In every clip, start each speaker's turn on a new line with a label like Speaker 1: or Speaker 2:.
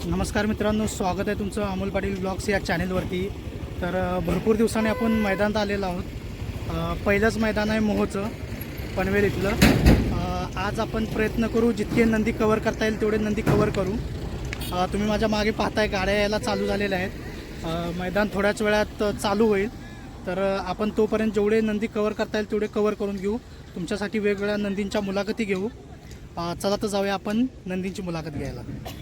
Speaker 1: नमस्कार मित्रांनो, स्वागत आहे तुमचं अमोल पाटील ब्लॉग्स या चॅनेलवरती। तर भरपूर दिवसांनी आपण मैदानात आलेलो आहोत। पहिलंच मैदान आहे मोहोचं पनवेल इथलं। आज आपण प्रयत्न करू जितके नंदी कव्हर करता येईल तेवढे नंदी कव्हर करू। तुम्ही माझ्या मागे पाहताय गाड्या यायला चालू झालेल्या आहेत। मैदान थोड्याच वेळात चालू होईल, तर आपण तोपर्यंत जेवढे नंदी कव्हर करता येईल तेवढे कव्हर करून घेऊ। तुमच्यासाठी वेगवेगळ्या नंदींच्या मुलाखती घेऊ। चला तर जाऊया आपण नंदींची मुलाखत घ्यायला।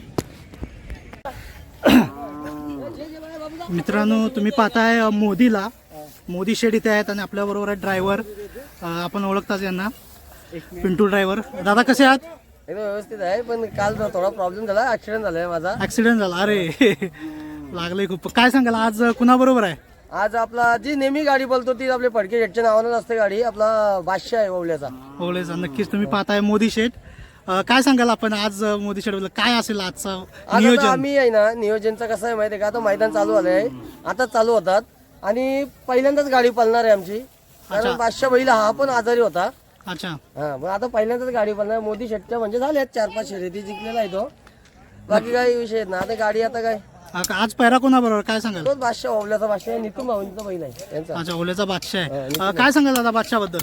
Speaker 1: मित्रांनो, तुम्ही पाहताय मोदी शेड इथे आहेत आणि आपल्याबरोबर आहे ड्रायव्हर। आपण ओळखताच यांना, पिंटू ड्रायव्हर। दादा कसे आहात?
Speaker 2: एकदम व्यवस्थित आहे, पण काल थोडा प्रॉब्लेम झाला, ऍक्सिडेंट झालाय माझा।
Speaker 1: ऍक्सिडेंट झाला? अरे लागले खूप। काय सांगाल आज कुणाबरोबर आहे?
Speaker 2: आज आपला जी नेहमी गाडी बोलतो ती आपले फडके शेटच्या नावानं असते गाडी, आपला बादशाह आहे ओवल्याचा।
Speaker 1: ओवल्याचा नक्कीच तुम्ही पाहताय मोदी शेड। काय सांगाल आपण आज मोदी शेड बद्दल? काय असेल आजचं नियोजन?
Speaker 2: आम्ही आहे ना, नियोजनचं कसं आहे माहिती आहे का, आता मैदान चालू झालंय, आता चालू होतात आणि पहिल्यांदाच गाडी पळणार आहे आमची, कारण बादशाह बैल हा पण आजारी होता।
Speaker 1: अच्छा,
Speaker 2: हा, पण आता पहिल्यांदाच गाडी पळणार मोदी शेटच्या, म्हणजे झाल्यात 4-5 शर्यती जिंकलेला आहे तो, बाकी काही विषय नाही। आता गाडी आता काय
Speaker 1: आज पैरा कोणाबरोबर काय सांगाल?
Speaker 2: तोच बादशाह, ओवल्याचा बादशाह, नितीन भाऊंचा बैल आहे त्यांचा।
Speaker 1: अच्छा, ओवल्याचा बादशाह आहे। काय सांगाल दादा बादशाह बद्दल?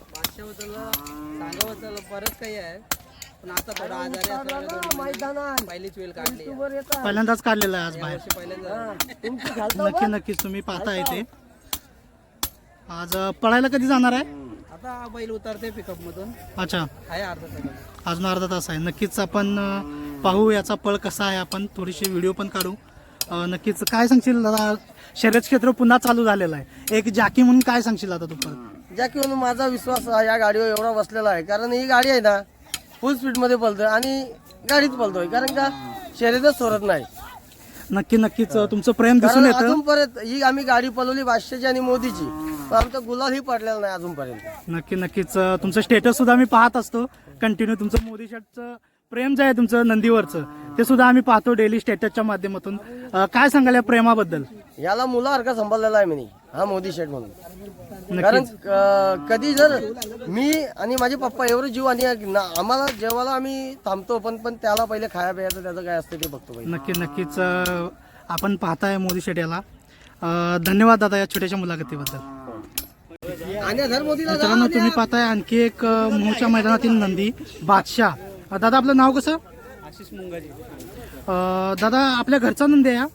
Speaker 3: सांगावं बरंच काही आहे, पण आता थोडा आजारी असल्यामुळे
Speaker 2: मैदानात
Speaker 3: पहिलीच वेळ काढली,
Speaker 1: पहिल्यांदाच काढलेला आहे आज बाहेर।
Speaker 3: पहिल्यांदा
Speaker 1: नक्कीच तुम्ही पाहताय ते। आज पळायला कधी जाणार आहे?
Speaker 3: आता बैल उतरते पिकअप मधून,
Speaker 1: अच्छा,
Speaker 3: आहे अर्धा तास।
Speaker 1: अजून अर्धा तास आहे। नक्कीच आपण पाहू याचा पळ कसा आहे, आपण थोडीशी व्हिडिओ पण काढू। नक्कीच काय सांगशील दादा, शर्यत क्षेत्र पुन्हा चालू झालेलं आहे, एक जॅकी म्हणून काय सांगशील आता तू?
Speaker 2: जॅकी म्हणून माझा विश्वास या गाडीवर एवढा बसलेला आहे, कारण ही गाडी आहे ना फुल स्पीड मध्ये पळतोय आणि गाडीत पळतोय, कारण का शर्यतच सोडत नाही।
Speaker 1: नक्कीच तुमचं प्रेम दिसून येतं।
Speaker 2: अजूनपर्यंत ही आम्ही गाडी पळवली बादशाहची आणि मोदीची, पण आमचा गुलालही पडलेला नाही अजूनपर्यंत।
Speaker 1: नक्कीच तुमचं स्टेटस सुद्धा आम्ही पाहत असतो कंटिन्यू। तुमचं मोदी शर्टचं प्रेम जे आहे तुमचं नंदीवरचं, ते सुद्धा आम्ही पाहतो डेली स्टेटसच्या माध्यमातून। काय सांगाल या प्रेमाबद्दल?
Speaker 2: याला मुलासारखा सांभाळलेला आहे मी, हा मोदी शेट म्हणून। कारण कधी जर मी आणि माझे पप्पा एवढं जीव आणि आम्हाला जेव्हा आम्ही थांबतो, पण त्याला पहिले खाया प्यायचं त्याचं काय असतं ते बघतो।
Speaker 1: नक्कीच आपण पाहताय मोदी शेट याला। धन्यवाद दादा या छोट्याशा मुलाखतीबद्दल। मित्रांनो, तुम्ही पाहताय आणखी एक मोहच्या मैदानातील नंदी बादशाह। दादा आपलं नाव कसं?
Speaker 3: आशिष मुंगाजी।
Speaker 1: दादा आपल्या घरचा नंदी आहे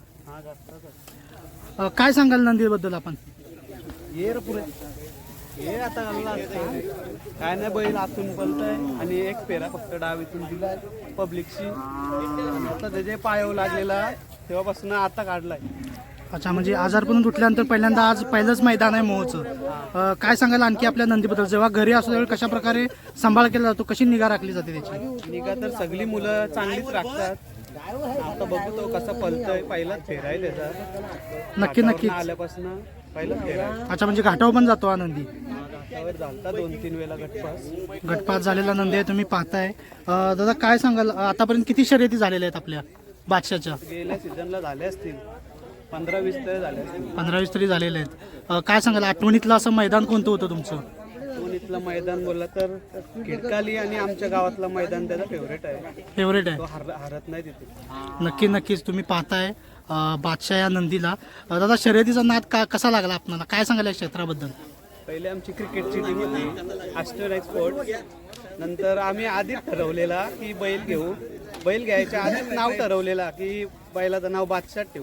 Speaker 1: हा? काय सांगाल नंदीबद्दल आपण?
Speaker 3: ये रे पुढे ये, आता घालला काय नाही, बैल आतून पलतय आणि एक पेरा फक्त डावीतून दिलाय पब्लिकशी। आता त्याचे पायावर लागलेला तेव्हापासून आता काढलाय।
Speaker 1: अच्छा, म्हणजे आजारपणून उठल्यानंतर पहिल्यांदा आज पहिलंच मैदान आहे मोहचं। काय सांगाल आणखी आपल्या नंदीबद्दल? जेव्हा घरी असतो त्यावेळी कशा प्रकारे सांभाळ केला जातो, कशी निगा राखली जाते त्याची?
Speaker 3: निगा तर सगळी मुलं चांगलीच राखतात। आता बघू तो कसा पलतोय, पहिलाच फेरा आहे त्याचा।
Speaker 1: नक्कीच
Speaker 3: आल्यापासून पहिलाच फेरा आहे।
Speaker 1: अच्छा, म्हणजे घाटावर पण जातो हा नंदी?
Speaker 3: घाटावर झालता 2-3 वेळा
Speaker 1: गटपास झालेला नंदी आहे, तुम्ही पाहताय। दादा काय सांगाल आतापर्यंत किती शर्यती झालेल्या आहेत आपल्या बादशाहच्या?
Speaker 3: गेल्या सीझनला झाले असतील 15-20 तरी झाले असतील।
Speaker 1: 15-20 तरी झालेले आहेत। काय सांगाल आठवणीतलं असं मैदान कोणतं होतं तुमचं?
Speaker 3: इथलं मैदान बोलला तर खिडकाली आणि आमच्या गावातलं मैदान त्याचा फेवरेट आहे।
Speaker 1: फेवरेट आहे?
Speaker 3: तो हरत नाही तिथे।
Speaker 1: नक्कीच तुम्ही पाहताय बादशाह या नंदीला। दादा शर्यतीचा नाद कसा लागला आपल्याला? काय सांगाल या क्षेत्राबद्दल?
Speaker 3: पहिले आमची क्रिकेटची टीम होती, ॲस्ट्रोलाइट स्पोर्ट्स। नंतर आम्ही आधीच ठरवलेला की बैल घेऊ, बैल घ्यायच्या आधीच नाव ठरवलेला की बैलाचं नाव बादशाह ठेवू।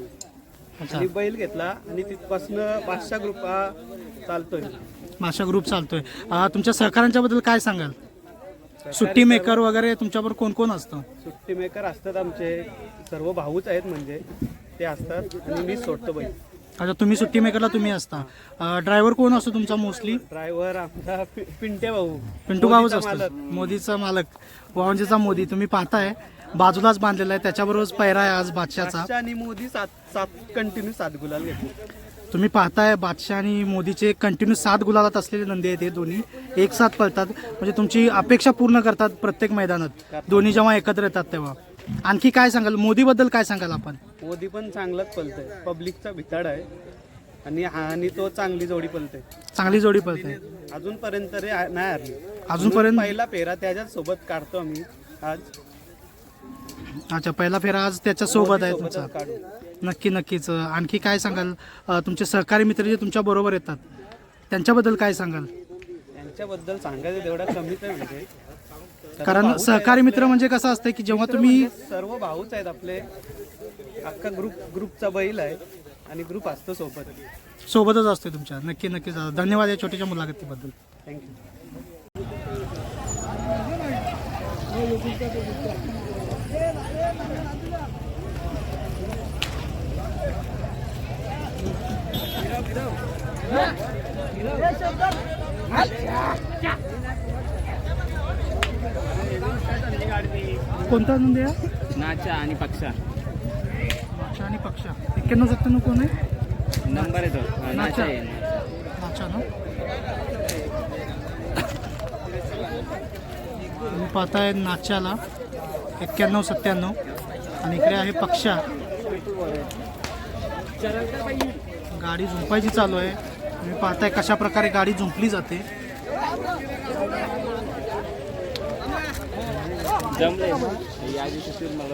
Speaker 3: आणि बैल घेतला आणि तिथपासून बादशाह ग्रुप हा चालतोय।
Speaker 1: बादशाह ग्रुप चालतोय। तुमच्या सहकाऱ्यांच्या बद्दल काय सांगाल? सुट्टी मेकर वगैरे तुमच्याबरोबर कोण कोण असतं?
Speaker 3: सुट्टी मेकर असतात आमचे सर्व भाऊच आहेत, म्हणजे ते असतात आणि मी सोडतो बैल।
Speaker 1: अच्छा, तुम्ही सुट्टी मेकरला तुम्ही असता। ड्रायव्हर कोण असतो तुमचा मोस्टली?
Speaker 3: ड्रायव्हर आमचा पिंटे भाऊ,
Speaker 1: पिंटू भाऊच असतो, मोदीचा मालक, वावंजीचा मोदी। तुम्ही पाहताय बाजूलाच बांधलेला आहे, त्याच्याबरोबरच पैरा आहे आज बादशाहचा।
Speaker 3: आणि मोदी 7 कंटिन्यू 7 गुलाल घेतले।
Speaker 1: तुम्ही पाहताय बादशाह आणि मोदीचे कंटिन्यू 7 गुलालात असलेले नंदी आहेत, हे दोन्ही एक साथ पळतात, म्हणजे तुमची अपेक्षा पूर्ण करतात प्रत्येक मैदानात दोन्ही जेव्हा एकत्र येतात तेव्हा। आणखी काय सांगाल मोदीबद्दल? काय सांगाल आपण?
Speaker 3: मोदी पण चांगलाच पळतोय, पब्लिकचा भिताड आहे आणि तो चांगली जोडी पळते,
Speaker 1: चांगली जोडी पळते
Speaker 3: अजूनपर्यंत तरी नाही हरली।
Speaker 1: अजूनपर्यंत
Speaker 3: पहिला फेरा त्याच्याच सोबत काढतो आम्ही आज।
Speaker 1: अच्छा, पहिला फेरा आज त्याच्या सोबत आहे
Speaker 3: सोबतच
Speaker 1: तुमचा.
Speaker 3: काढू.
Speaker 1: नक्कीच. आणखी काय सांगाल तुमचे सहकारी मित्र जे तुमच्या बरोबर येतात त्यांच्याबद्दल काय सांगाल?
Speaker 3: त्यांच्याबद्दल सांगायचं तेवढा कमीच आहे म्हणजे
Speaker 1: कारण सहकारी मित्र म्हणजे कसं असतं की जेव्हा तुम्ही
Speaker 3: सर्व भाऊच आहेत आपले, अख्खा ग्रुपचा बैल आहे आणि ग्रुप असतो सोबत.
Speaker 1: सोबतच असते तुमच्या. नक्कीच धन्यवाद या छोट्याशा मुलाखतीबद्दल.
Speaker 3: थँक्यू.
Speaker 1: कोणता नंदी आहे?
Speaker 4: नाचा आणि पक्षा
Speaker 1: नाचा आणि पक्षा. 91-97 कोण आहे?
Speaker 4: नंबर आहे तो. नाचा आहे.
Speaker 1: नाचा ना. तुम्ही पाहताय नाच्याला 91-97 आणि इकडे आहे पक्षा. गाडी झुंपायची चालू आहे. तुम्ही पाहताय कशा प्रकारे गाडी झुंपली जाते.
Speaker 4: जमले या दिवशी फिर मला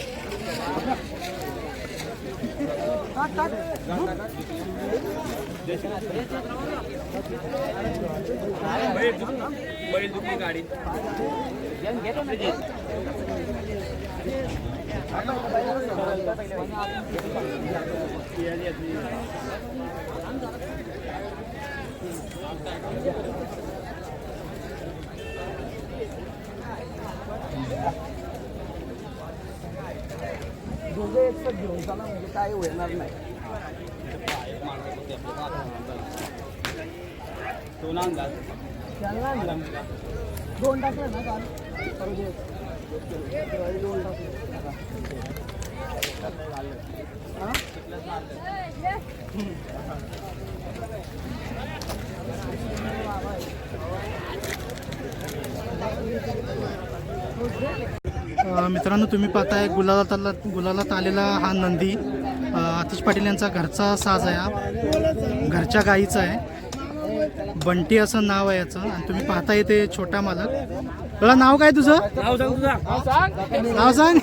Speaker 4: बैल दुखली गाडी.
Speaker 2: काय होणार नाही. दोन टाकलं ना काल.
Speaker 1: मित्रांनो, तुम्ही पाहताय गुलालात आलेला हा नंदी आतिश पाटील यांचा घरचा साज आहे. हा घरच्या गाईचा आहे. बंटी असं नाव आहे याचं. आणि तुम्ही पाहता येते छोटा मालक. तुला नाव काय तुझं?
Speaker 4: नाव सांग तुझा.
Speaker 1: नाव सांग.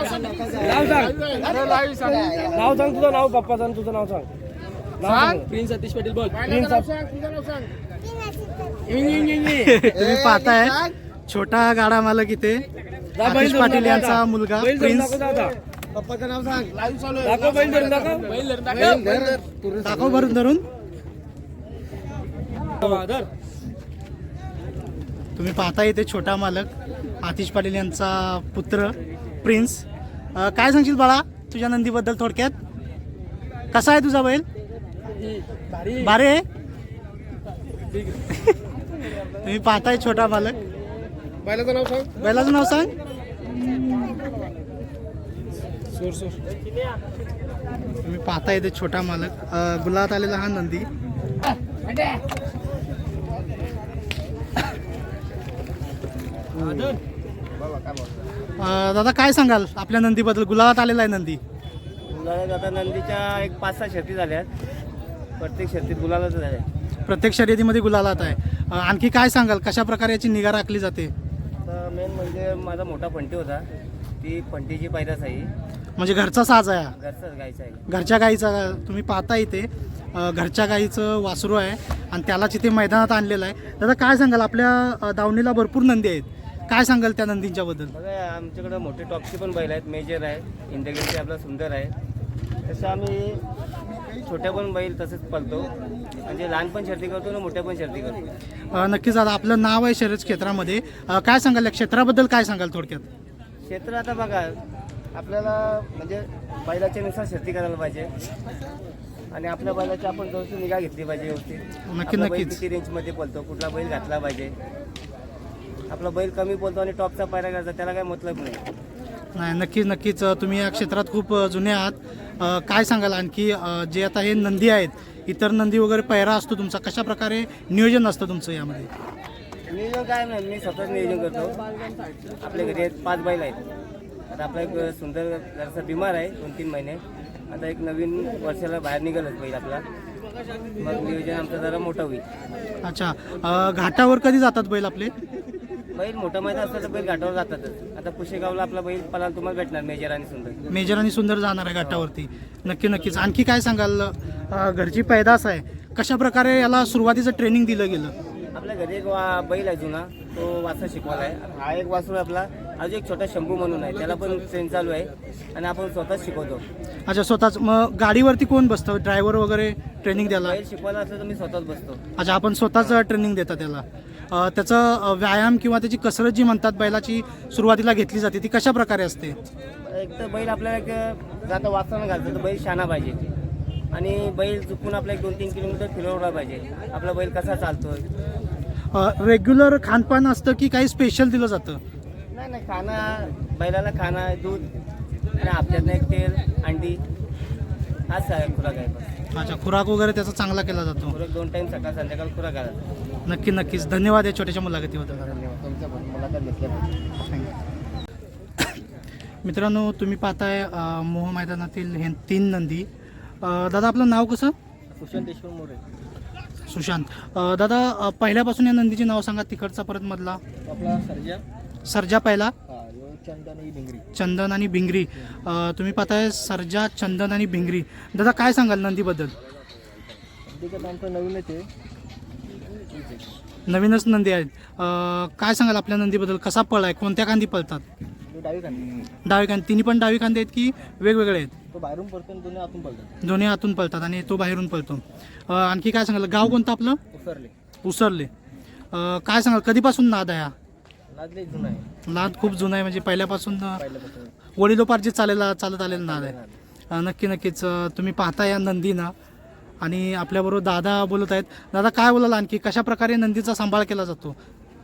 Speaker 4: नाव सांग तुझं. नाव पप्पा सांग तुझं. नाव सांग. प्रिन्स सतीश पाटील बोल.
Speaker 1: तुम्ही पाहताय छोटा गाडा मालक इथे आतिश पाटील यांचा मुलगा प्रिन्स.
Speaker 2: पप्पाचं नाव सांग. लाईव्ह चालू आहे.
Speaker 4: दाखव बैल धरून दाखव.
Speaker 1: दाखव भरून धरून. तुम्ही पाहता येते छोटा मालक आतिश पाटील यांचा पुत्र प्रिन्स. काय सांगशील बाळा तुझ्या नंदीबद्दल थोडक्यात? कसा आहे तुझा बैल? भारी आहे. तुम्ही पाहताय छोटा मालक.
Speaker 2: बैलाचं नाव सांग.
Speaker 1: बैलाचं नाव सांग. तुम्ही पाहता येते छोटा मालक गुलाबात आलेला हा नंदी. दादा काय सांगाल आपल्या नंदीबद्दल? गुलाबात आलेला आहे नंदी.
Speaker 4: आता नंदीच्या एक 5-6 शर्ती झाल्यात. प्रत्येक शर्तीत गुलालच झाल्या.
Speaker 1: प्रत्येक शर्यतीमध्ये गुलालात आहे. आणखी काय सांगाल कशा प्रकारे याची निगा राखली जाते?
Speaker 4: तर मेन म्हणजे माझा मोठा फंटी होता. ती फंटीची पैदास आहे.
Speaker 1: म्हणजे घरचा साज आहे हा.
Speaker 4: घरचाच गायचा आहे.
Speaker 1: घरच्या गाईचा. तुम्ही पाहता इथे घरच्या गाईचं वासरू आहे आणि त्यालाच इथे मैदानात आणलेलं आहे. दादा काय सांगाल आपल्या दावणीला भरपूर नंदी आहेत. काय सांगाल त्या नंदींच्या बद्दल?
Speaker 4: बघा आमच्याकडे मोठे टॉपचे पण बैल आहेत. मेजर आहे. इंदगेचे आपला सुंदर आहे. तसं आम्ही छोट्या पण बैल तसेच पळतो. म्हणजे लहान पण शर्ती करतो ना मोठ्या पण शर्ती करतो.
Speaker 1: नक्कीच दादा आपलं नाव आहे शर्यत क्षेत्रामध्ये. काय सांगाल या क्षेत्राबद्दल? काय सांगाल थोडक्यात?
Speaker 4: क्षेत्र आता बघा आपल्याला म्हणजे बैलाच्या नुसार शर्ती करायला पाहिजे आणि आपल्या बैलाची आपण थोडीशी निगा घेतली पाहिजे व्यवस्थित. आपला बैल
Speaker 1: नक्कीच.
Speaker 4: किती रेंजमध्ये पळतो, कुठला बैल घातला पाहिजे. आपला बैल कमी पळतो आणि टॉपचा पायरा करायचा त्याला काय मतलब नाही.
Speaker 1: नाही नक्कीच तुम्ही या क्षेत्रात खूप जुने आहात. काय सांगाल आणखी जे आता हे नंदी आहेत इतर नंदी वगैरे पैरा असतो तुमचा, कशा प्रकारे नियोजन असतं तुमचं यामध्ये?
Speaker 4: नियोजन काय नाही, मी स्वतःच नियोजन करतो. आपल्या घरी 5 बैल आहेत. आता आपला एक सुंदर जरासा बिमार आहे 2-3 महिने. आता एक नवीन वर्षाला बाहेर निघालच बैल आपला. मग नियोजन आमचं जरा मोठं होईल.
Speaker 1: अच्छा घाटावर कधी जातात बैल आपले?
Speaker 4: बैल मोठा मैदान असलं तर बैल घाटावर जातातच. आता पुशेगावला आपला बैल पळायला तुम्हाला भेटणार मेजर आणि सुंदर.
Speaker 1: मेजर आणि सुंदर जाणार आहे घाटावरती. नक्कीच. आणखी काय सांगाल, घरची पैदास आहे, कशा प्रकारे याला सुरुवातीचं ट्रेनिंग दिलं गेलं?
Speaker 4: आपल्या घरी एक बैल आहे जुना, तो वासर शिकवायला आहे. हा एक वासरू आपला अजून एक छोटा शंभू म्हणून आहे, त्याला पण ट्रेन चालू आहे आणि आपण स्वतःच शिकवतो.
Speaker 1: अच्छा, स्वतःच. मग गाडीवरती कोण बसतं, ड्रायव्हर वगैरे ट्रेनिंग द्यायला?
Speaker 4: बैल शिकवायला असलं तर मी स्वतःच बसतो.
Speaker 1: अच्छा, आपण स्वतःच ट्रेनिंग देता त्याला. त्याचं व्यायाम किंवा त्याची कसरत जी म्हणतात बैलाची सुरुवातीला घेतली जाते ती कशा प्रकारे असते?
Speaker 4: एक तर बैल आपल्याला एक जाता वाचताना घालतो तर बैल शाना पाहिजे आणि बैल चुकून आपला 1-2-3 किलोमीटर फिरवला पाहिजे. आपला बैल कसा चालतोय.
Speaker 1: रेग्युलर खानपान असतं की काही स्पेशल दिलं जातं?
Speaker 4: नाही, खाना बैलाला खाना, दूध आणि आपल्यातनं एक तेल, अंडी, हाच आहे खुराक आहे बस.
Speaker 1: अच्छा, खुराक वगैरे त्याचा चांगला केला जातो.
Speaker 4: खुराक 2 टाइम सकाळ संध्याकाळ खुराक आला.
Speaker 1: नक्कीच. धन्यवाद या छोट्याशा मुलाखतीबद्दल.
Speaker 4: तुमचं पण मुलाखत घेतल्याबद्दल.
Speaker 1: मित्रांनो, तुम्ही पाहताय मोह मैदानातील हे 3 नंदी. दादा, आपलं नाव कसं?
Speaker 2: सुशांत देशमुख मोरे.
Speaker 1: सुशांत. दादा, पहिल्यापासून या नंदीचे नाव सांगा, तिकडचा परत मधला.
Speaker 2: आपला
Speaker 1: सर्जा पहिला,
Speaker 2: चंदन भिंगरी.
Speaker 1: चंदन आणि भिंगरी. तुम्ही पाहताय सर्जा, चंदन आणि भिंगरी. दादा, काय सांगाल नंदीबद्दल?
Speaker 2: आमचं नवीन येते,
Speaker 1: नवीनच नंदी आहेत. काय सांगाल आपल्या नंदीबद्दल? कसा पळ आहे, कोणत्या खांदी पळतात?
Speaker 2: डावी खांदी.
Speaker 1: डावी खांदी. तिन्ही पण डावी खांदी आहेत की वेगवेगळे आहेत?
Speaker 2: तो बाहेरून पडतो, दोन्ही आतून पडतात.
Speaker 1: दोन्ही आतून पळतात आणि तो बाहेरून पळतो. आणखी काय सांगाल, गाव कोणतं आपलं? उसरले. काय सांगाल, कधीपासून नाद आहे हा? नाद खूप जुना आहे, म्हणजे पहिल्यापासून वडिलोपार्जित चालत आलेला नाद आहे. नक्कीच. तुम्ही पाहता या नंदीना आणि आपल्याबरोबर दादा बोलत आहेत. दादा, काय बोलाल आणखी, कशा प्रकारे नंदीचा सांभाळ केला जातो?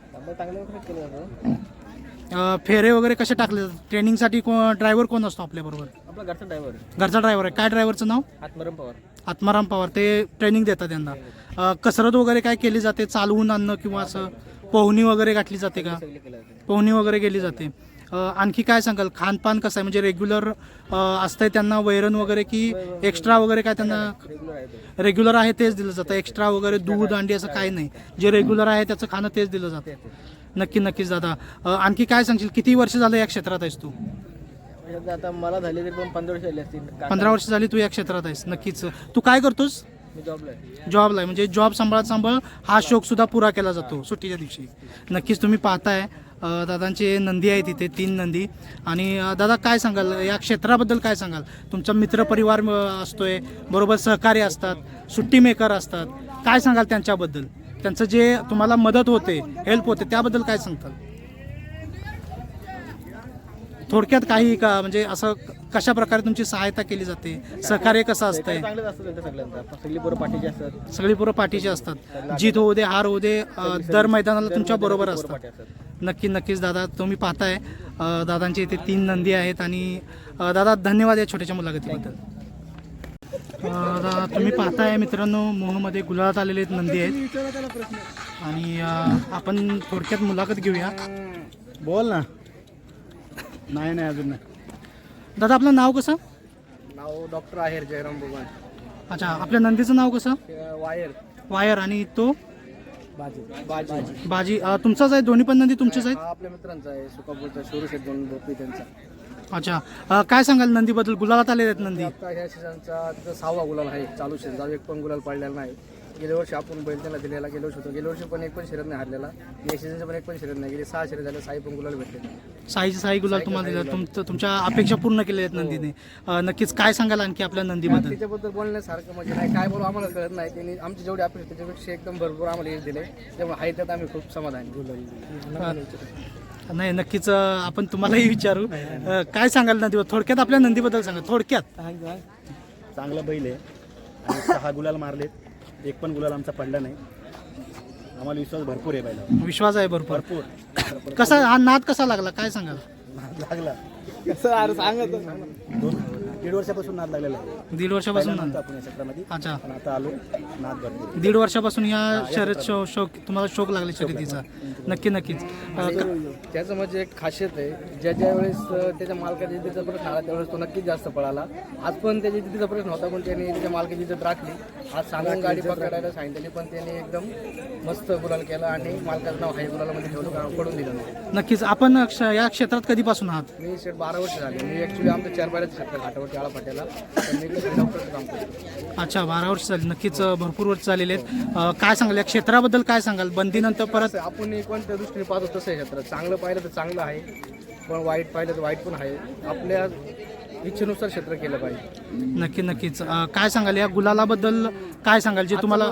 Speaker 1: फेरे वगैरे कसे टाकले जातात? ट्रेनिंगसाठी ड्रायव्हर कोण असतो आपल्याबरोबर?
Speaker 2: आपला घरचा ड्रायव्हर.
Speaker 1: घरचा ड्रायव्हर आहे. काय ड्रायव्हरचं नाव? आत्माराम पवार. ते ट्रेनिंग देतात त्यांना. कसरत वगैरे काय केली जाते, चालवून आणणं किंवा असं पोहणी वगैरे गाठली जाते का? पोहणी वगैरे केली जाते. आणखी काय सांगाल, खानपान कसं आहे, म्हणजे रेग्युलर असतंय त्यांना वैरण वगैरे की एक्स्ट्रा वगैरे काय त्यांना? रेग्युलर आहे तेच दिलं जातं, एक्स्ट्रा वगैरे दूध अंडी असं काही नाही, जे रेग्युलर आहे त्याचं खाणं तेच दिलं जातं. नक्कीच दादा. आणखी काय सांगशील, किती वर्ष झालं या क्षेत्रात आहेस तू?
Speaker 2: आता मला झाले तरी पण 15 वर्ष झाली असतील.
Speaker 1: 15 वर्ष झाली तू या क्षेत्रात आहेस. नक्कीच. तू काय करतोस?
Speaker 2: मी जॉबला आहे.
Speaker 1: जॉबला आहे, म्हणजे जॉब सांभाळ हा शौक सुद्धा पुरा केला जातो सुट्टीच्या दिवशी. नक्कीच. तुम्ही पाहताय दादांचे नंदी आहेत इथे 3 नंदी. आणि दादा, काय सांगाल या क्षेत्राबद्दल, काय सांगाल? तुमचा मित्रपरिवार असतोय, बरोबर सहकार्य असतात, सुट्टी मेकर असतात, काय सांगाल त्यांच्याबद्दल? त्यांचं जे तुम्हाला मदत होते, हेल्प होते, त्याबद्दल काय सांगताल? थोडक्यात काही का, म्हणजे असं कशा प्रकारे तुमची सहायता केली जाते, सहकार्य कसं असतंय?
Speaker 2: चांगलेच असतं त्यांचं सगळ्यांचा. सगळी पोरं पाठीची असतात.
Speaker 1: सगळी पोरं पाठीचे असतात. जीत होऊ दे, हार होऊ दे, दर मैदानाला तुमच्या बरोबर असतात. नक्कीच दादा. तुम्ही पाहताय दादांचे इथे 3 नंदी आहेत. आणि दादा, धन्यवाद या छोट्याशा मुलाखतीबद्दल. दादा, तुम्ही पाहताय मित्रांनो, मोहमध्ये गुलाबात आलेले नंदी आहेत. आणि आपण थोडक्यात मुलाखत घेऊया.
Speaker 3: बोल ना. नाही अजून नाही.
Speaker 1: दादा, आपलं नाव कसं?
Speaker 2: नाव डॉक्टर आहेर जयराम भगवान.
Speaker 1: अच्छा, आपल्या नंदीचं नाव कसं? वायर. आणि तो बाजी. तुमचाच आहे? दोन्ही पण नंदी तुमचेच आहेत?
Speaker 2: आपल्या मित्रांचा आहे, सुकापूरचा शोरूश आहे, 2 बोपी त्यांचा.
Speaker 1: अच्छा, काय सांगाल नंदीबद्दल? गुलाबात आलेले आहेत नंदी.
Speaker 2: आता ह्या सीझनचा 6वा गुलाल आहे चालू सीझन. एक पण गुलाल पडलेला नाही. गेल्या वर्षी आपण बैल त्यांना दिलेला, गेल्या वर्षी पण एक पण शर्यत नाही हरलेला. या सीझनचा पण एक पण शर्यत नाही. गेले 6 शर्यत झाले, 6 पण गुलाल भेटले.
Speaker 1: साई गुलाल तुम्हाला दिला. तुमच्या अपेक्षा पूर्ण केल्या आहेत नंदीने. नक्कीच. काय सांगाल आणखी आपल्या नंदीबद्दल?
Speaker 2: त्याच्याबद्दल बोलण्यासारखं म्हणजे नाही, काय बोलू आम्हाला कळत नाही. त्यांनी आमची जेवढी अपेक्षा त्याच्यापेक्षा एकदम भरपूर आम्हाला यश दिले, त्यामुळे आहे त्यात आम्ही खूप समाधानी.
Speaker 1: नाही, नक्कीच. आपण तुम्हालाही विचारू. काय सांगाल नंदीबद्दल? थोडक्यात आपल्या नंदीबद्दल सांगा, थोडक्यात.
Speaker 5: चांगला बैल आहे आणि 6 गुलाल मारलेत, एक पण गुलाल आमचा पडला नाही. आम्हाला विश्वास भरपूर आहे बैलावर.
Speaker 1: विश्वास आहे भरपूर. कसा हा नाद कसा लागला, काय सांगाल?
Speaker 5: लागला.
Speaker 2: कसं सांगत
Speaker 5: 1.5 वर्षापासून नाद लागलेला आहे.
Speaker 1: 1.5 वर्षापासून
Speaker 5: पहिल्यांदा आपण या क्षेत्रामध्ये
Speaker 1: अच्छा.
Speaker 5: पण आता आलो नाद भरपूर.
Speaker 1: 1.5 वर्षापासून या शर्यत शौक तुम्हाला शौक लागले शर्यतीचा. नक्कीच
Speaker 2: त्याचं म्हणजे एक खासियत आहे, ज्या वेळेस त्याच्या मालकाच्या जिद्दीचा प्रश्न आला त्यावेळेस तो नक्कीच जास्त पळाला. आज पण त्याच्या जिद्दीचा प्रश्न होता पण त्याने त्याच्या मालकाची जिद्द राखली. आज सांगून गाडी पकडायला सांगितली पण त्याने एकदम मस्त गुलाल केला आणि मालकाचं नाव हाय गुलालामध्ये ठेवलं, कारण पडून दिलं नाही.
Speaker 1: नक्कीच आपण या क्षेत्रात कधीपासून आहात?
Speaker 2: मी 12 वर्ष झाले. मी ॲक्च्युली आमच्या 4 बायलाचं क्षेत्र घाटावरती आळा फाट्याला, तर मी डॉक्टरचं काम करतो.
Speaker 1: अच्छा, 12 वर्ष झाली. नक्कीच भरपूर वर्ष झालेले आहेत. काय सांगाल या क्षेत्राबद्दल, काय सांगाल बंदीनंतर परत?
Speaker 2: आपण कोणत्या दृष्टीने पाहतो तसं आहे क्षेत्र. चांगलं पाहिलं तर चांगलं आहे, पण वाईट पाहिलं तर वाईट पण आहे. आपल्या इच्छेनुसार क्षेत्र केलं पाहिजे.
Speaker 1: नक्कीच काय सांगाल या गुलालाबद्दल, काय सांगाल जे तुम्हाला?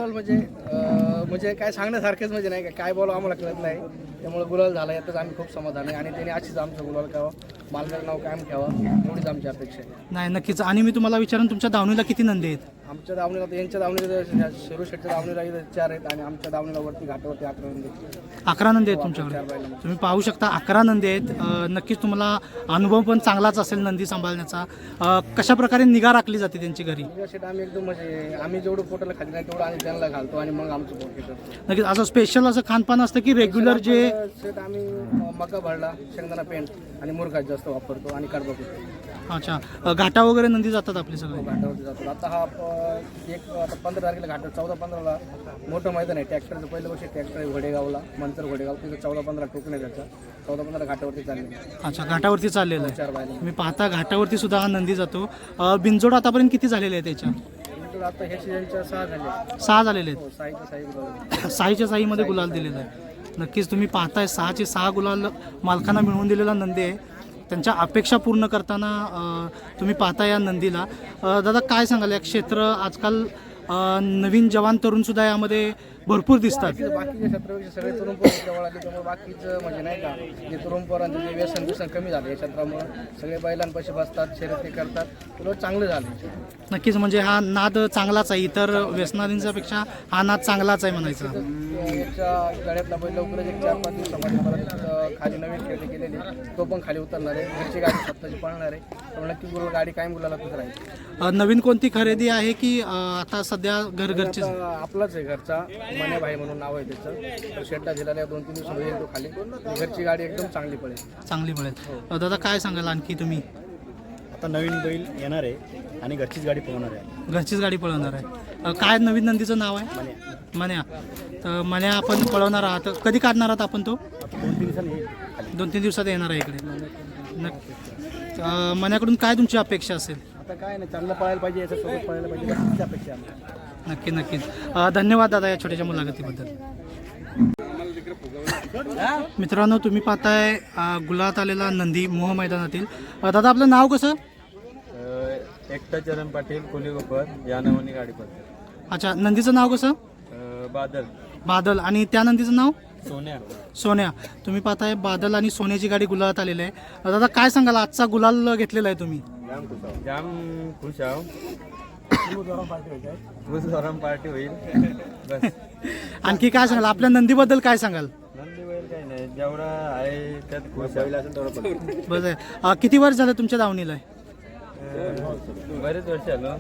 Speaker 2: म्हणजे काय सांगण्यासारखेच म्हणजे नाही काय बोलावं आम्हाला कळत नाही. त्यामुळे गुलाल झाला यातच आम्ही खूप समाधान आहे आणि त्याने अशीच आमचं गुलाल करावं, मालकाचं नाव कायम ठेवावं, एवढीच आमची अपेक्षा आहे.
Speaker 1: नाही नक्कीच. आणि मी तुम्हाला विचारून तुमच्या दावणीला किती नंदी आहेत?
Speaker 2: आमच्या दावणीला तर यांच्या दावणीला शिरू शेटच्या दावणीला इथं 4 आहेत आणि आमच्या दावणीला वरती घाटावरती 11 नंदी.
Speaker 1: 11 नंदी आहेत तुमच्याकडे. तुम्ही पाहू शकता 11 नंदी आहेत. नक्कीच तुम्हाला अनुभव पण चांगलाच असेल नंदी सांभाळण्याचा. कशा प्रकारे निगा राखली जाते त्यांची घरी?
Speaker 2: शेट आम्ही एकदम म्हणजे आम्ही जेवढं पोटाला खाली नाही तेवढं आम्ही त्यांना घालतो आणि मग आमचं पोट घेतो.
Speaker 1: नक्कीच असं स्पेशल असं खानपान असतं की रेग्युलर जे?
Speaker 2: शेट आम्ही मका भरडा, शेंगदाणा पेंट आणि मुरघास जास्त वापरतो आणि कडबा करतो.
Speaker 1: अच्छा, घाटा वगैरे नंदी जातात आपले सगळे?
Speaker 2: घाटावरती जातो. आता हा आता 15 तारखेला घाटावर 14-15ला मोठं मैदान आहे ट्रॅक्टरचं. पहिल्या वर्षी ट्रॅक्टर आहे घोडेगावला, मंतर घोडेगाव, तिथं 14-15 टोकन आहे त्याचा. 14-15 घाटावरती चालले.
Speaker 1: अच्छा, घाटावरती चाललेलं आहे.
Speaker 2: 4 बायला.
Speaker 1: तुम्ही पाहता घाटावरती सुद्धा हा नंदी जातो. बिनजोड आतापर्यंत किती झालेले आहे त्याच्या?
Speaker 2: आता ह्या सीझनच्या 6 झाले.
Speaker 1: 6 झालेले आहेत.
Speaker 2: साईच्या साई
Speaker 1: साईच्या साईमध्ये गुलाल दिलेला आहे. नक्कीच तुम्ही पाहताय 6चे 6 गुलाल मालकांना मिळवून दिलेला नंदी आहे. त्यांच्या अपेक्षा पूर्ण करताना तुम्ही पाहता या नंदीला. दादा काय सांगाल या क्षेत्र आजकाल नवीन जवान तरुणसुद्धा यामध्ये भरपूर दिसतात?
Speaker 2: बाकीच्या क्षेत्रापेक्षा सगळे तरुण पोरं जवळ आले त्यामुळे बाकीचं म्हणजे नाही का जे तरुण पोरांचं जे व्यसन कमी झालं या क्षेत्रामुळे. सगळे बैलांपाशी बसतात, शर्यती करतात, उलट चांगलं झालं.
Speaker 1: नक्कीच म्हणजे हा नाद चांगलाच आहे. इतर व्यसनाधींच्या पेक्षा हा नाद चांगलाच आहे म्हणायचा.
Speaker 2: याच्या गळ्यातला बैल लवकरच एक 4-5 दिवसामध्ये परत खाली नवीन खरेदी केलेली, तो पण खाली उतरणार आहे. घरची गाडी स्वतःची पळणार आहे, त्यामुळे नक्की गाडी कायम गुलालातच राहील.
Speaker 1: नवीन कोणती खरेदी आहे की आता सध्या घरची?
Speaker 2: आपलाच आहे घरचा, मने भाई म्हणून नाव आहे त्याचं. तर शेटला दिलेला 2-3 दिवसामध्ये येईल तो खाली. घरची गाडी एकदम चांगली पडेल.
Speaker 1: दादा काय सांगाल आणखी तुम्ही?
Speaker 5: आता नवीन बैल येणार आहे आणि घरचीच गाडी पळवणार आहे.
Speaker 1: घरचीच गाडी पळवणार आहे. काय नवीन नंदीचं नाव आहे? मन्या. तर मन्या आपण पळवणार आहात, कधी काढणार आहात आपण तो?
Speaker 5: 2-3 दिवसांनी येईल.
Speaker 1: 2-3 दिवसात येणार आहे इकडे. नक्की मन्याकडून काय तुमची अपेक्षा असेल?
Speaker 5: आता काय नाही, चांगलं पळायला पाहिजे, याच्यासोबत पळायला पाहिजे, त्याची अपेक्षा आहे.
Speaker 1: नक्कीच. धन्यवाद दादा या छोट्याशा मुलाखतीबद्दल. मित्रांनो तुम्ही पाहताय गुलात आलेला नंदी मोह मैदानातील. दादा आपलं नाव कसं?
Speaker 6: एकटा चरण पाटील कोलीगोपर या नावाने गाडी पडते.
Speaker 1: अच्छा, नंदीचं नाव कसं?
Speaker 6: बादल.
Speaker 1: बादल. आणि त्या नंदीचं नाव?
Speaker 6: सोन्या.
Speaker 1: सोन्या. तुम्ही पाहताय बादल आणि सोन्याची गाडी गुलालात आलेली आहे. दादा काय सांगाल आजचा गुलाल घेतलेला आहे तुम्ही?
Speaker 6: जाम खुश आहो. पार्टी होईल बस.
Speaker 1: आणखी काय सांगाल आपल्या नंदीबद्दल, काय सांगाल?
Speaker 6: नंदी बैल काही नाही, जेवढा आहे त्यात खुश असेल तेवढं पडतो.
Speaker 1: बस आहे. किती वर्ष झालं तुमच्या दावणीला?
Speaker 6: बरेच वर्ष आलो.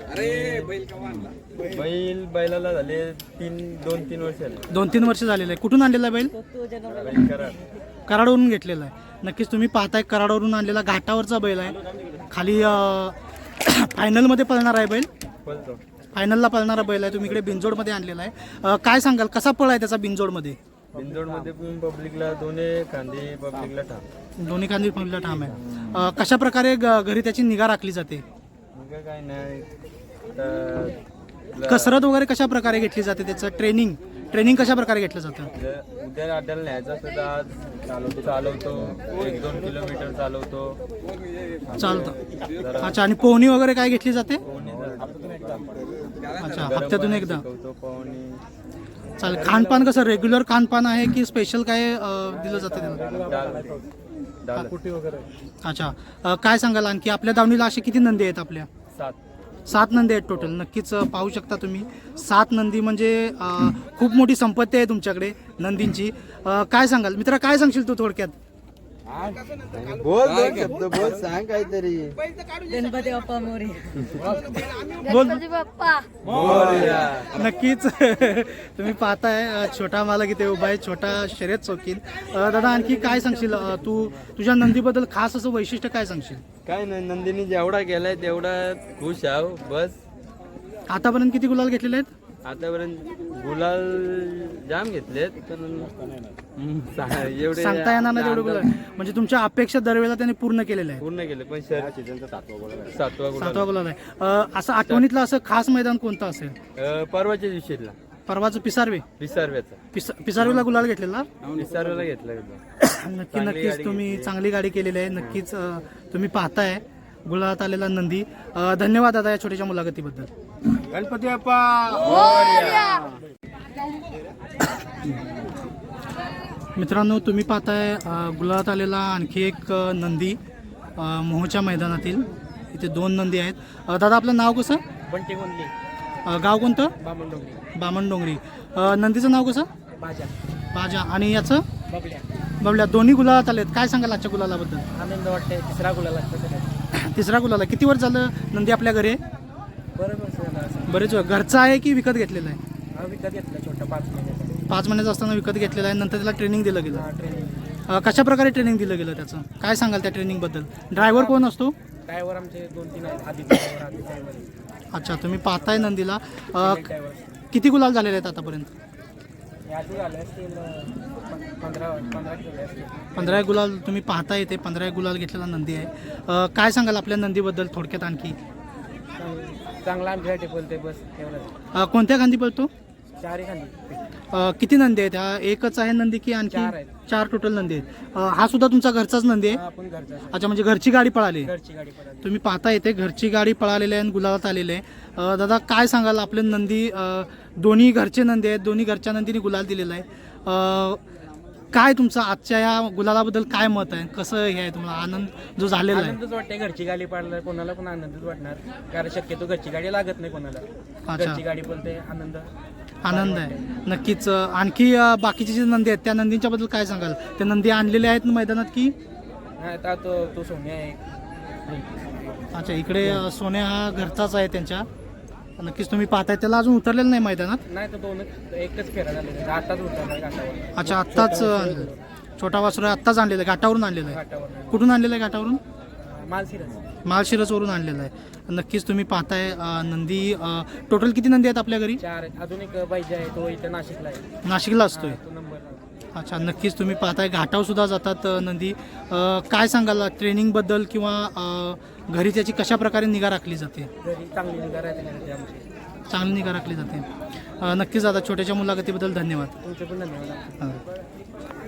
Speaker 6: बैलाला झाले 2-3 वर्ष आले.
Speaker 1: 2-3 वर्ष झालेलं आहे. कुठून आणलेला बैल?
Speaker 6: बैल कराड.
Speaker 1: कराडवरून घेतलेला आहे. नक्कीच तुम्ही पाहताय कराडवरून आणलेला घाटावरचा बैल आहे. खाली फायनलमध्ये पळणार आहे बैल.
Speaker 6: पळतो.
Speaker 1: फायनलला पळणारा बैल आहे. तुम्ही इकडे बिनजोडमध्ये आणलेला आहे. काय सांगाल कसा पळ आहे त्याचा बिनजोडमध्ये?
Speaker 6: बिंदोडमध्ये पब्लिकला दोन्ही खांदी पब्लिकला ठाम.
Speaker 1: दोन्ही खांदी पब्लिकला ठाम आहे. कशा प्रकारे घरी त्याची निगा राखली जाते?
Speaker 6: मग काय नाही,
Speaker 1: कसरत वगैरे कशा प्रकारे घेतली जाते? त्याचं ट्रेनिंग कशा प्रकारे घेतलं जातं?
Speaker 6: उद्या अड्ड्याला न्यायचं असतं तर आज चालवतो 1-2 किलोमीटर चालवतो.
Speaker 1: चालतं. अच्छा, आणि पोहणी वगैरे काय घेतली जाते? अच्छा, हप्त्यातून एकदा.
Speaker 6: पोहणी.
Speaker 1: चालेल. खानपान कसं रेग्युलर खानपान आहे की स्पेशल काय दिलं जातं त्याला? अच्छा, काय सांगाल आणखी आपल्या दावणीला असे किती नंदी आहेत आपल्या? 7 नंदी आहेत टोटल. नक्कीच पाहू शकता तुम्ही 7 नंदी म्हणजे खूप मोठी संपत्ती आहे तुमच्याकडे नंदींची. काय सांगाल मित्रा, काय सांगशील तू थोडक्यात?
Speaker 6: बोल दोन शब्द बोल, सांग काहीतरी.
Speaker 7: गणपती बाप्पा मोरे.
Speaker 1: बोल.
Speaker 7: गणपती बाप्पा.
Speaker 1: नक्कीच तुम्ही पाहताय छोटा मालक इथे उभा आहे, छोटा शर्यत चौकीन. दादा आणखी काय सांगशील, तू तुझ्या नंदीबद्दल खास असं वैशिष्ट्य काय सांगशील?
Speaker 6: काय नाही, नंदिनी जेवढा केलाय तेवढा खुश आहो बस.
Speaker 1: आतापर्यंत किती गुलाल घेतलेले आहेत?
Speaker 6: आतापर्यंत गुलाल जाम घेतलेत पण एवढे
Speaker 1: सांगता येणार नाही तेवढे गुलाल, म्हणजे तुमच्या अपेक्षा दरवेळेला त्यांनी पूर्ण केलेल्या आहेत.
Speaker 6: पूर्ण केले पण सातवा गुलाल.
Speaker 1: सातवा गुलाल आहे. असं आठवणीतलं असं खास मैदान कोणतं असेल?
Speaker 6: परवाच्या दिवशीला
Speaker 1: परवाचं पिसारवे.
Speaker 6: विसारव्याचा
Speaker 1: पिसारवेला गुलाल घेतलेला.
Speaker 6: विसारव्याला घेतला.
Speaker 1: नक्कीच तुम्ही चांगली गाडी केलेली आहे. नक्कीच तुम्ही पाहताय गुलालात आलेला नंदी. धन्यवाद दादा या छोट्याशा मुलाखतीबद्दल.
Speaker 6: गणपती बाप्पा.
Speaker 1: मित्रांनो तुम्ही पाहताय गुलालात आलेला आणखी एक नंदी मोहोच्या मैदानातील. इथे 2 नंदी आहेत. दादा आपलं नाव कसं?
Speaker 3: बंटी गोंदली.
Speaker 1: गाव कोणतं?
Speaker 3: बामणडोंगरी.
Speaker 1: बामणडोंगरी. नंदीचं नाव कसं?
Speaker 3: बाजा.
Speaker 1: बाजा. आणि याचं?
Speaker 3: बबल्या.
Speaker 1: बबल्या. दोन्ही गुलालात आलेत. काय सांगाल आजच्या गुलालाबद्दल?
Speaker 3: आनंद वाटते. तिसरा गुलाल लागतो.
Speaker 1: तिसरा गुलाला. किती वर्ष झालं नंदी आपल्या घरी आहे?
Speaker 3: बरोबर.
Speaker 1: बरेच वेळ. घरचा आहे की विकत घेतलेला आहे?
Speaker 3: हा विकत घेतला छोटा 5 महिन्याचा.
Speaker 1: 5 महिन्याचा असताना विकत घेतलेला आहे. नंतर त्याला ट्रेनिंग दिलं गेलं.
Speaker 3: ट्रेनिंग.
Speaker 1: कशा प्रकारे ट्रेनिंग दिलं गेलं त्याचं? काय सांगाल त्या ट्रेनिंगबद्दल? ड्रायव्हर कोण असतो?
Speaker 3: ड्रायव्हर आमचे 2-3 आहेत. आधी ड्रायव्हर.
Speaker 1: अच्छा तुम्ही पाहताय नंदीला.
Speaker 3: ड्रायव्हर.
Speaker 1: किती गुलाल झालेले आहेत आतापर्यंत?
Speaker 3: यादी झाले असतील 15 किलो असतील.
Speaker 1: 15 गुलाल तुम्ही पाहताय. ते 15 गुलाल घेतलेला नंदी आहे. काय सांगाल आपल्या नंदीबद्दल थोडक्यात आणखी?
Speaker 3: चांगला आमच्यासाठी बोलते बस एवढंच.
Speaker 1: कोणत्या खांदी पळतो?
Speaker 3: 4 खांदी.
Speaker 1: किती नंदी आहेत? हा एकच आहे नंदी की आणखी?
Speaker 3: 4 आहेत.
Speaker 1: 4 टोटल नंदी आहेत. हा सुद्धा तुमचा घरचाच नंदी आहे?
Speaker 3: आपण घरचा.
Speaker 1: अच्छा म्हणजे घरची गाडी पळाली.
Speaker 3: घरची गाडी पळाली.
Speaker 1: तुम्ही पाहता येते घरची गाडी पळालेली आहे आणि गुलालात आलेले आहे. दादा काय सांगाल आपले नंदी दोन्ही घरचे नंदी आहेत, दोन्ही घरच्या नंदीने गुलाल दिलेला आहे. काय तुमचं आजच्या या गुलालाबद्दल काय मत आहे? कसं हे आहे तुम्हाला आनंद जो झालेला आहे?
Speaker 3: आनंदच वाटते. घरची गाडी पाडलं कोणाला पण आनंदच वाटणार, कारण शक्यतो घरची गाडी लागत नाही कोणाला.
Speaker 1: अच्छा.
Speaker 3: घरची गाडी बोलते आनंद
Speaker 1: आहे. नक्कीच. आणखी बाकीचे जे नंदी आहेत त्या नंदींच्या बद्दल काय सांगाल? त्या नंदी आणलेल्या आहेत मैदानात की?
Speaker 3: नाही आता तो सोन्या आहे.
Speaker 1: अच्छा इकडे सोन्या हा घरचाच आहे त्यांच्या. नक्कीच तुम्ही पाहताय त्याला अजून उतरलेलं नाही मैदानात.
Speaker 3: नाही तर एकच फेरा झालेला. आताच उतरला घाटावर.
Speaker 1: अच्छा आत्ताच छोटा वासुरा आत्ताच आणलेला आहे, घाटावरून आणलेला आहे.
Speaker 3: घाटावर
Speaker 1: कुठून आणलेलं आहे? घाटावरून.
Speaker 3: मालसिरस.
Speaker 1: माळशिरसवरून आणलेला आहे. नक्कीच तुम्ही पाहताय नंदी. टोटल किती नंदी आहेत आपल्या घरी?
Speaker 3: 4 आहेत. अजून एक पाहिजे आहे तो इथं नाशिकला आहे.
Speaker 1: नाशिकला असतोय.
Speaker 3: तो नंबर.
Speaker 1: अच्छा नक्कीच तुम्ही पाहताय घाटावर सुद्धा जातात नंदी. काय सांगाल ट्रेनिंगबद्दल किंवा घरी त्याची कशा प्रकारे निगा राखली जाते?
Speaker 3: घरी चांगली निगा राहते आमची.
Speaker 1: चांगली निगा राखली जाते. नक्कीच दादा छोट्याच्या मुलाखतीबद्दल धन्यवाद.
Speaker 3: तुमचे पण धन्यवाद.
Speaker 1: हां.